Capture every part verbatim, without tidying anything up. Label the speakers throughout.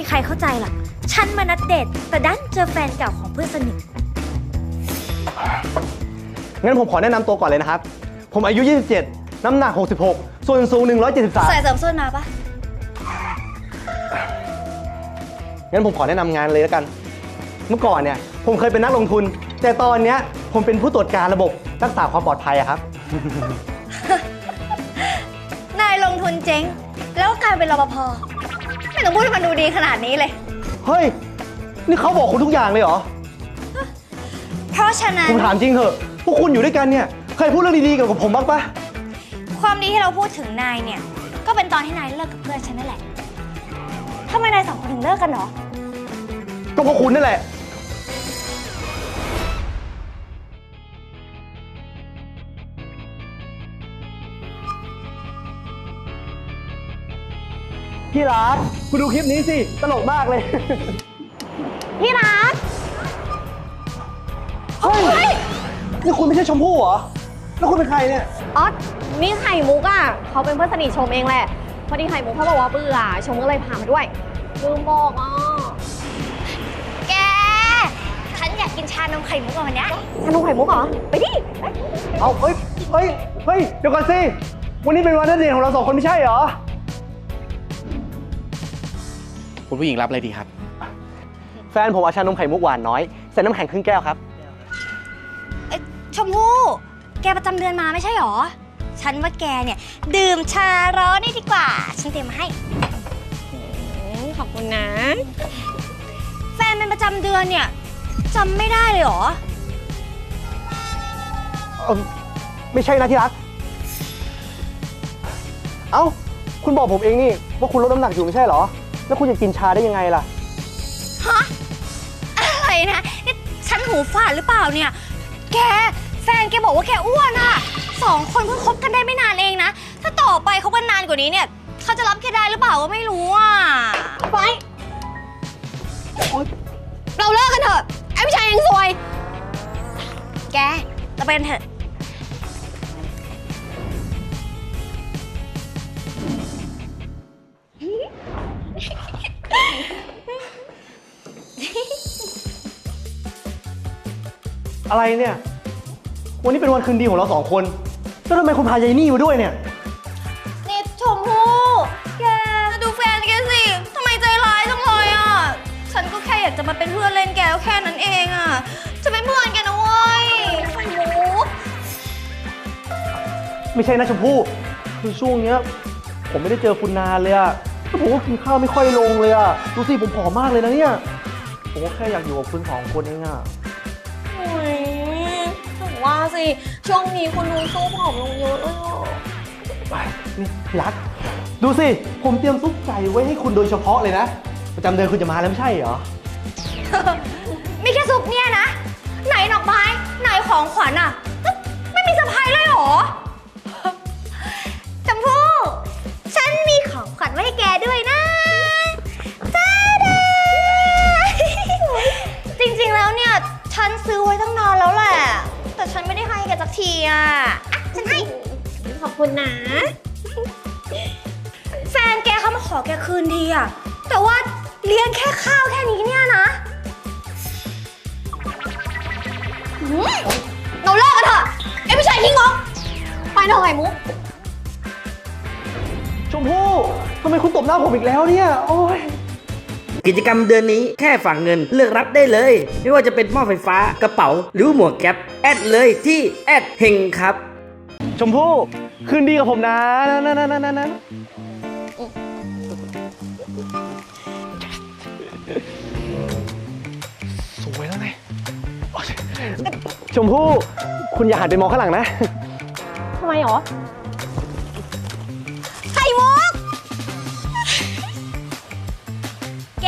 Speaker 1: ใครเข้าใจหรอกฉันมานัดเดทแต่ดันเจอแฟนเก่าของเพื่อนสนิท
Speaker 2: งั้นผมขอแนะนำตัวก่อนเลยนะครับผมอายุยี่สิบเจ็ดน้ำหนักหกสิบหกส่วนสูงหนึ่งร้อยเจ็ดสิบสาม
Speaker 1: ใส่เสริมส้นมาปะ
Speaker 2: งั้นผมขอแนะนำงานเลยแล้วกันเมื่อก่อนเนี่ยผมเคยเป็นนักลงทุนแต่ตอนเนี้ยผมเป็นผู้ตรวจการระบบรักษาความปลอดภัยอะครับ
Speaker 1: นายลงทุนเจ๊งแล้วก็กลายเป็นรปภไม่ต้องพูดให้มันดูดีขนาดนี้เลย
Speaker 2: เฮ้ยนี่เขาบอกคุณทุกอย่างเลยเหรอ
Speaker 1: เพราะฉะนั้น
Speaker 2: ผมถามจริงเถอะพวกคุณอยู่ด้วยกันเนี่ยเคยพูดเรื่องดีๆเกี่ยวกับผมบ้างปะ
Speaker 1: ความดีที่เราพูดถึงนายเนี่ยก็เป็นตอนที่นายเลิกกับเพื่อนฉันนั่นแหละทำไมนายสองคนถึงเลิกกันหรอ
Speaker 2: ก็เพราะคุณนั่นแหละพี่รักคุณดูคลิปนี้สิตลกมากเลย
Speaker 1: พี่รัก
Speaker 2: เฮ้ยนี่คุณไม่ใช่ชมพู่เหรอแล้วคุณเป็นใครเนี่ย
Speaker 3: อ๋อนี่ไข่มุกอ่ะเขาเป็นเพื่อนสนิทชมเองแหละพอดีไข่มุกเขาบอกว่าเบื่อชมก็เลยพามาด้วยลืมบอกอ่ะ
Speaker 1: แกฉันอยากกินชานมไข่มุกวันนี้
Speaker 3: ชานมไข่มุกเหรอไปดิ
Speaker 2: เอาเฮ้ยเฮ้ยเฮ้ยเดี๋ยวก่อนสิวันนี้เป็นวันนัดเดทของเราสองคนไม่ใช่เหรอ
Speaker 4: คุณผู้หญิงรับอะไรดีครับ
Speaker 2: แฟนผมเอาชานมไข่มุกหวานน้อยใส่น้ำแข็งครึ่งแก้วครับ
Speaker 1: ชมพู่แกประจำเดือนมาไม่ใช่หรอฉันว่าแกเนี่ยดื่มชาร้อนนี่ดีกว่าฉันเตรียมมาให้
Speaker 3: ขอบคุณนะ
Speaker 1: แฟนเป็นประจำเดือนเนี่ยจำไม่ได้เลยหรอ
Speaker 2: เออไม่ใช่นะที่รักเอ้าคุณบอกผมเองนี่ว่าคุณลดน้ำหนักอยู่ไม่ใช่เหรอแล้วคุณจะกินชาได้ยังไงล่ะ
Speaker 1: ฮะอะไรนะนี่ฉันหูฝาดหรือเปล่าเนี่ยแกแฟนแกบอกว่าแกอ้วนอ่ะสองคนเพิ่งคบกันได้ไม่นานเองนะถ้าต่อไปคบกันนานกว่านี้เนี่ยเขาจะรับแกได้หรือเปล่าก็ไม่รู้อ่ะ
Speaker 3: ไปเราเลิกกันเถอะไอ้ผู้ชายยังซวย
Speaker 1: แกเราไปกันเถอะ
Speaker 2: อะไรเนี่ยวันนี้เป็นวันคืนดีของเราสองคนแล้วทำไมคุณพายายนี่มาด้วยเนี่ย
Speaker 1: นี่ชมพู่แกดูแฟนแกสิทำไมใจร้ายจังเลยอ่ะฉันก็แค่อยากจะมาเป็นเพื่อนเล่นแกแค่นั้นเองอ่ะจะเป็นเพื่อนแกนะเว้ยไข่มุก
Speaker 2: ไม่ใช่นะชมพู่คือช่วงเนี้ยผมไม่ได้เจอคุณนานเลยอะแล้วผมก็กินข้าวไม่ค่อยลงเลยอะดูสิผมผอมมากเลยนะเนี่ยผมก็แค่อยากอยู่กับคุณสองคนเองอะ
Speaker 3: โอ้ยถึงว่าสิช่วงนี้คุณดูสู้ผอมลงเยอะเลย
Speaker 2: ไปนี่รักดูสิผมเตรียมซุปไก่ไว้ให้คุณโดยเฉพาะเลยนะประจำเดือนคุณจะมาแล้วไม่ใช่เหรอ
Speaker 1: มีแค่ซุปเนี่ยนะไหนดอกไม้ไหนของขวัญอ่ะไม่มีเซอร์ไพรส์เลยเหรอชมพู่ฉันมีของขวัญไว้ให้แกด้วยนะจ้าดาจริงๆแล้วเนี่ยฉันซื้อไว้ตั้งนานแล้วแหละแต่ฉันไม่ได้ให้แกสักทีอ่ะอ่ะฉันให้
Speaker 3: ขอบคุณนะ
Speaker 1: แฟนแกเขามาขอแกคืนดีอ่ะแต่ว่าเลี้ยงแค่ข้าวแค่นี้เนี่ยนะ
Speaker 3: เราเลิกกันเถอะไอ้ผู้ชายขี้งกไปเถอะไข่มุก
Speaker 2: ชมพู่ทำไมคุณตบหน้าผมอีกแล้วเนี่ยโอ้ย
Speaker 5: กิจกรรมเดือนนี้แค่ฝากเงินเลือกรับได้เลยไม่ว่าจะเป็นหม้อไฟฟ้ากระเป๋าหรือหมวกแก๊ปแอดเลยที่แอดเฮงครับ
Speaker 2: ชมพู่คืนดีกับผมนะนะนะนะนะนะสวยแล้วไงชมพู่คุณอย่าหันไปมองข้างหลังนะ
Speaker 3: ทำไมหรอ
Speaker 1: ไข่มุกแก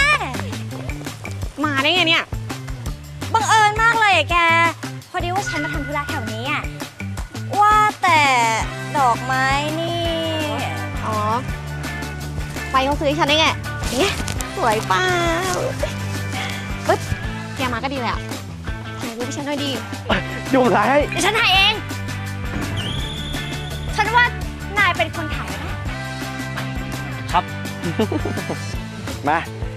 Speaker 3: มาได้ไงเนี่ย
Speaker 1: บังเอิญมากเลยอะแกพอดีว่าฉันมาทำธุระแถวนี้อะว่าแต่ดอกไม้นี่
Speaker 3: อ๋อไปเขาซื้อให้ฉันได้ไงเนี่ยสวยเปล่าปึ๊บแกมาก็ดีเลยอ่ะถ่ายรูปให้ฉันหน่อยดิ
Speaker 2: ดูผมถ่ายให้
Speaker 1: เดี๋ยวฉันถ่ายเองฉันว่านายเป็นคนถ่ายนะครับ
Speaker 2: มา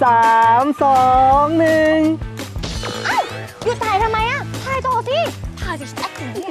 Speaker 2: สามสองหนึ่ง
Speaker 1: หยุดถ่ายทำไมอะถ่ายต่อสิถ่ายสิแอคถึงเนี่ย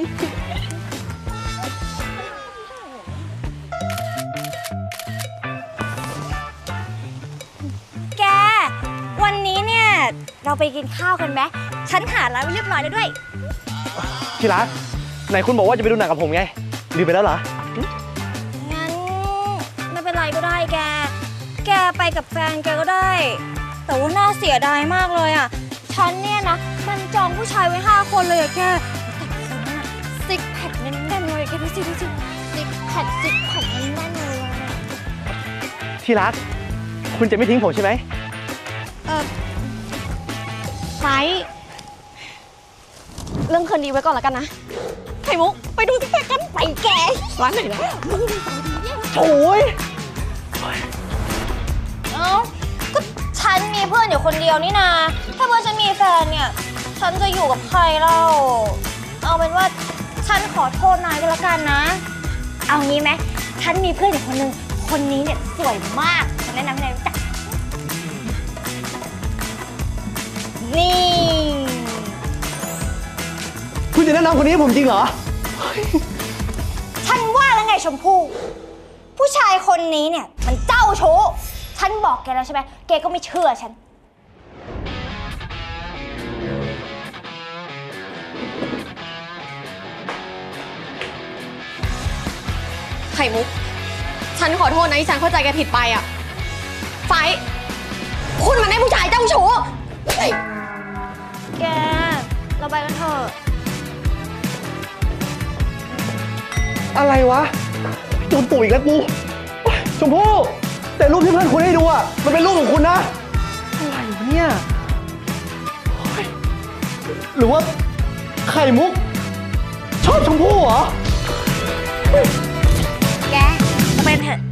Speaker 1: แก วันนี้เนี่ย เราไปกินข้าวกันไหมฉันหาร้านไว้เรียบร้อยแล้วด้วย
Speaker 2: ที่รักไหนคุณบอกว่าจะไปดูหนังกับผมไงลืมไปแล้วเหรอ
Speaker 1: งั้นไม่เป็นไรก็ได้แก แกไปกับแฟนแกก็ได้ แต่ว่าน่าเสียดายมากเลยอ่ะ ฉันเนี่ยนะ มันจองผู้ชายไว้ห้าคนเลยอะแก แต่คนนั้นอะซิกแพคแน่นๆเลยแกดูสิดูสิซิกแพคซิกแพคแน่นๆเลยอะ
Speaker 2: ที่รักคุณจะไม่ทิ้งผมใช่ไหม
Speaker 3: เออไฟท์เรื่องคืนดีไว้ก่อนแล้วกันนะไข่มุก ไปดูซิกแพคกันไปแกร้านไหนนะ
Speaker 2: โอ้ย
Speaker 1: เอ้าก็ฉันมีเพื่อนอยู่คนเดียวนี่นา ถ้าเพื่อนฉันมีแฟนเนี่ย ฉันจะอยู่กับใครเล่า เอาเป็นว่าฉันขอโทษนายก็แล้วกันนะ เอางี้ไหมฉันมีเพื่อนอยู่คนหนึ่งคนนี้เนี่ยสวยมาก ฉันแนะนำให้นายรู้จัก นี่
Speaker 2: คุณจะแนะนำคนนี้ให้ผมจริงเหรอ
Speaker 1: ฉันว่าแล้วไงชมพู่ ผู้ชายคนนี้เนี่ยมันเจ้าชู้ ฉันบอกแกแล้วใช่ไหม แกก็ไม่เชื่อฉัน
Speaker 3: ไข่มุก ฉันขอโทษนะที่ฉันเข้าใจแกผิดไปอ่ะ ไฟท์คุณมันได้ผู้ชายเจ้าชู้เฮ้ย
Speaker 1: แก เราไปกันเถอะ
Speaker 2: อะไรวะโดนตู่อีกแล้วกูชมพู่แต่รูปที่เพื่อนคุณให้ดูอ่ะมันเป็นรูปของคุณนะอะไรวะเนี่ยเฮ้ยหรือว่าไข่มุก ชอบชมพู่เหรอ
Speaker 1: แกเราไปกันเถอะ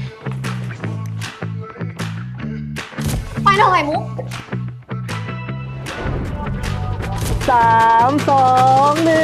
Speaker 3: ไปเถอะไข่มุก
Speaker 2: สามสองหนึ่ง